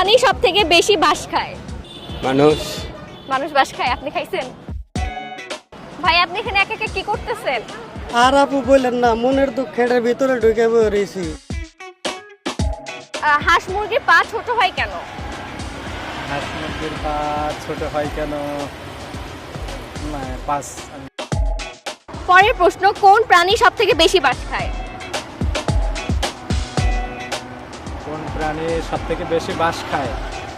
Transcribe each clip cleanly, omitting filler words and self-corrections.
প্রাণী সব থেকে বেশি বাস খায়? মানুষ। মানুষ বাস খায়, আপনি খাইছেন? ভাই আপনি এখানে একা একা কি করতেছেন? আর আপু বললেন না, মনের দুঃখের ভিতরে ঢুকে পড়েছি। হাঁস মুরগির পা ছোট হয় কেন? হাঁস মুরগির পা ছোট হয় কেন? না, পাস। পরের প্রশ্ন, কোন প্রাণী সব থেকে বেশি বাস খায়? কোন প্রাণী সব থেকে বেশি বাস খায়?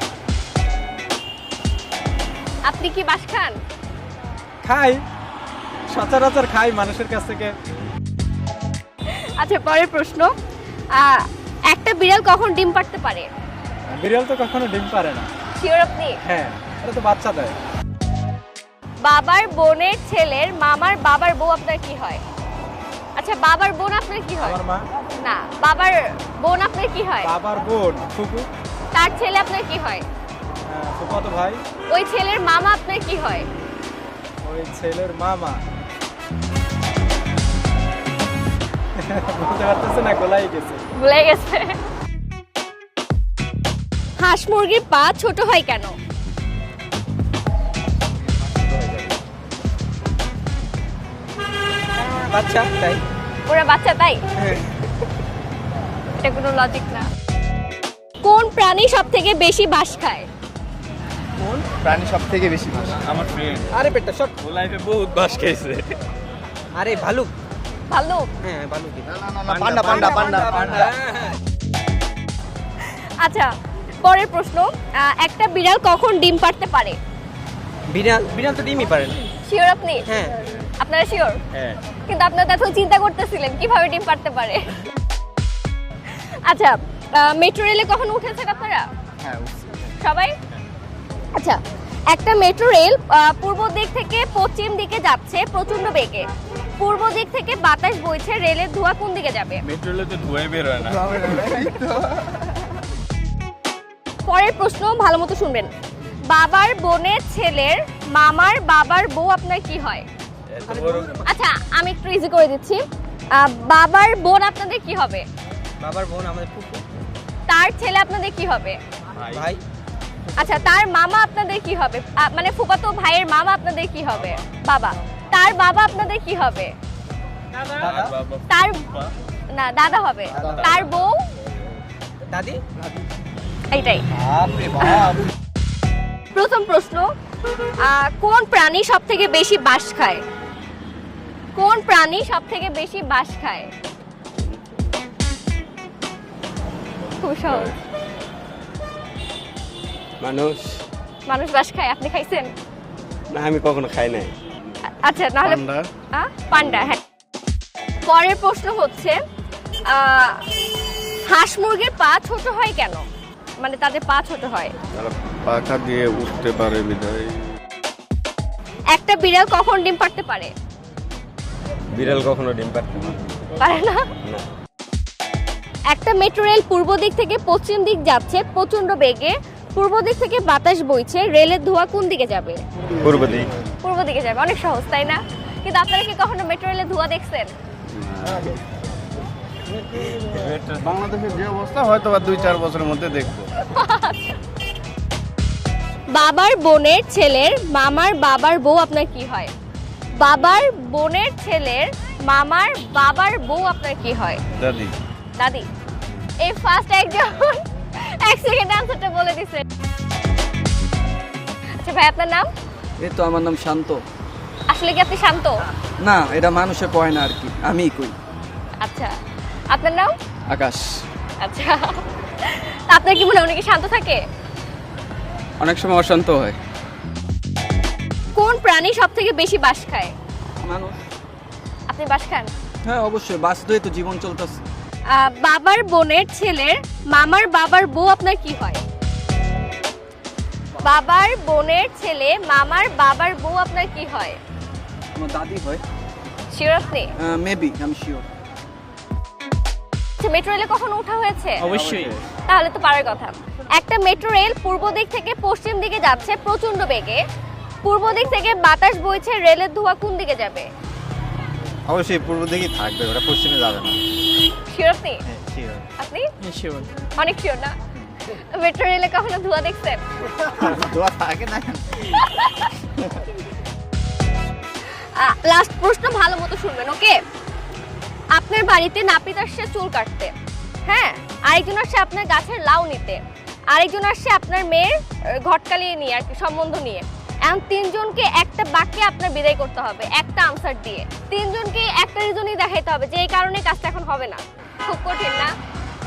আপনি কি বাস খান? খাই, সচরাচর খাই মানুষের কাছ থেকে। আচ্ছা পরের প্রশ্ন, একটা বিড়াল কখন ডিম পাড়তে পারে? বিড়াল তো কখনো ডিম পারে না। শিওর আপনি? হ্যাঁ, এটা তো বাচ্চা দেয়। বাবার বোনের ছেলের মামার বাবার বউ আপনার কি হয়? আচ্ছা বাবার বোন আপনার কি হয়? আমার মা। না, বাবার বোন আপনার কি হয়? বাবার বোন ফুফু। তার ছেলে আপনার কি হয়? ফুফাতো ভাই। ওই ছেলের মামা আপনার কি হয়? ওই ছেলের মামা। বলতে পারতেছে না, গোলাই গেছে। ভুলে গেছে। হাঁস মুরগির পা ছোট হয় কেন? বাচ্চা তাই। ওরা বাচ্চা তাই? এটা কোনো লজিক না। কোন প্রাণী সব থেকে বেশি বাস খায়? কোন প্রাণী সব থেকে বেশি বাস? আমার ফ্রেন্ড আরে পেটটা শট। ও লাইফে বহুত বাস খাইছে। আরে ভালুক। ভাল্লুক? হ্যাঁ ভালুক। পান্ডা পান্ডা পান্ডা পান্ডা। আচ্ছা পরের প্রশ্ন, একটা বিড়াল কখন ডিম পাড়তে পারে? বিড়াল বিড়াল তো ডিমই পারে না। শিওর আপনি? হ্যাঁ। আপনারা শিওর? হ্যাঁ। কিন্তু আপনারা তো এখন চিন্তা করতেছিলেন কিভাবে ডিম পাড়তে পারে। আচ্ছা মেট্রো রেলে কখন উঠেছেন আপনারা? হ্যাঁ। সবাই? আচ্ছা একটা মেট্রো রেল পূর্ব দিক থেকে পশ্চিম দিকে যাচ্ছে প্রচন্ড বেগে। পূর্ব দিক থেকে বাতাস বইছে, রেলের ধোঁয়া কোন দিকে যাবে? মেট্রোলে তো ধুয়ে বের হয় না। পরের প্রশ্ন ভালো মতো শুনবেন। বাবার বোনের ছেলের মামার বাবার বউ আপনার কি হয়? আচ্ছা আমি একটু ইজি করে দিচ্ছি। বাবার বোন আপনাদের কি হবে? বাবার বোন আমাদের ফুফু। তার ছেলে আপনাদের কি হবে? ভাই। আচ্ছা তার মামা আপনাদের কি হবে? মানে ফুফাতো ভাইয়ের মামা আপনাদের কি হবে? বাবা। তার বাবা আপনাদের কি হবে? তার না দাদা হবে। তার বউ? দাদি। এইটাই। বাপরে বাপ। প্রথম প্রশ্ন, কোন প্রাণী সব থেকে বেশি বাস খায়? কোন প্রাণী সব থেকে বেশি বাস খায়? খুব সহজ। মানুষ। মানুষ বাস খায়, আপনি খাইছেন? না আমি কখনো খাই নাই। আচ্ছা নাহলে পান্ডা। হ্যাঁ। পরের প্রশ্ন হচ্ছে, হাঁস মুরগির পা ছোট হয় কেন? মানে তাদের পা ছোট হয়। তারা পাখা দিয়ে উঠতে পারে বিধায়। একটা বিড়াল কখন ডিম পাড়তে পারে? বিড়াল কখনো ডিম পারতে পারে না। না। একটা মেট্রো রেল পূর্ব দিক থেকে পশ্চিম দিক যাচ্ছে প্রচন্ড বেগে। পূর্ব দিক থেকে বাতাস বইছে, রেলের ধোঁয়া কোন দিকে যাবে? পূর্ব দিক। পূর্ব দিকে যাবে। অনেক সহজ তাই না? কিন্তু আপনারা কি কখনো মেট্রো রেলের ধোঁয়া দেখছেন? বাংলাদেশের যে অবস্থা হয়তো বা 2-4 বছরের মধ্যে দেখবো। বাবার বোনের ছেলের মামার বাবার বউ আপনার কি হয়? বাবার বোনের ছেলের মামার বাবার বউ আপনার কি হয়? দাদি। দাদি। এই ফার্স্ট একজন এক সেকেন্ড আনসারটা বলে দিছে। আচ্ছা ভাই আপনার নাম? এই তো আমার নাম শান্ত। আসলে কি আপনি শান্ত? না, এটা মানুষে কয় না আর কি, আমিই কই। আচ্ছা আপনার নাম? আকাশ। আচ্ছা তা আপনার কি মনে হয় উনি কি শান্ত থাকে? অনেক সময় অশান্ত হয়। কোন প্রাণী সব থেকে বেশি বাস খায়? মানুষ। আপনি বাস খান? হ্যাঁ অবশ্যই, বাস দিয়ে তো জীবন চলতেছে। বাবার বোনের ছেলের মামার বাবার বউ আপনার কি হয়? বাবার বোনের ছেলে মামার বাবার বউ আপনার কি হয়? আমার দাদি হয়। শিওর আপনি? মেবি, আমি শিওর। মেট্রো রেলে কখনো ওঠা হয়েছে? অবশ্যই। তাহলে তো পারার কথা। একটা মেট্রো রেল পূর্ব দিক থেকে পশ্চিম দিকে যাচ্ছে প্রচন্ড বেগে। পূর্ব দিক থেকে বাতাস বইছে, রেলের ধোঁয়া কোন দিকে যাবে? অবশ্যই পূর্ব দিকেই থাকবে, ওটা পশ্চিমে যাবে না। শিওর আপনি? শিওর। আপনি? শিওর। অনেক শিওর না? মেট্রো রেলে কখনো ধোঁয়া দেখছেন? দোয়া থাকে না। লাস্ট প্রশ্ন ভালো মতো শুনবেন, ওকে? আপনার বাড়িতে নাপিত আসছে চুল কাটতে, হ্যাঁ, আরেকজন আসছে আপনার গাছের লাউ নিতে, আরেকজন আসছে আপনার মেয়ের ঘটকালিয়ে নিয়ে আর কি সম্বন্ধ নিয়ে। এখন তিনজনকে একটা বাক্যে আপনার বিদায় করতে হবে একটা আনসার দিয়ে। তিনজনকে একটা রিজনই দেখাইতে হবে যে এই কারণে কাজটা এখন হবে না। খুব কঠিন না?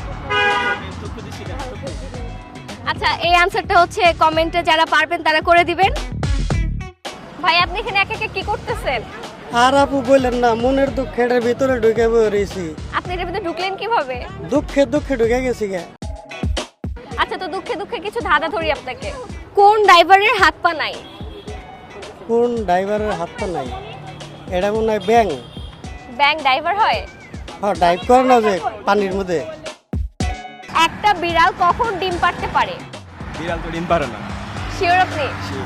আচ্ছা, এই আনসারটা হচ্ছে কমেন্টে যারা পারবেন তারা করে দিবেন। ভাই আপনি এখানে একা একা কি করতেছেন? আর আপু বললেন না, মনের দুঃখ খেটের ভিতরে ঢুকে রয়েছি। আপনি এর ভিতরে ঢুকলেন কিভাবে? দুঃখে দুঃখে ঢুকে গেছি গে। আচ্ছা, তো দুঃখে দুঃখে কিছু ধাঁধা ধরি আপনাকে। কোন ড্রাইভারের হাত পা নাই? কোন ড্রাইভারের হাত পা নাই? এটা মনে হয় ব্যাং। ব্যাং ড্রাইভার হয়? হ্যাঁ, ড্রাইভ করে না যে পানির মধ্যে। একটা বিড়াল কখন ডিম পাড়তে পারে? বিড়াল তো ডিম পারে না। শিওর আপনি?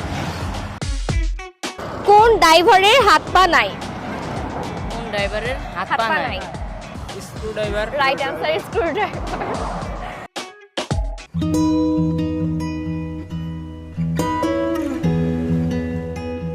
কোন ড্রাইভারের হাত পা নাই? কোন ড্রাইভারের হাত হাত পা পা নাই? নাই। Screwdriver. Right answer screw driver.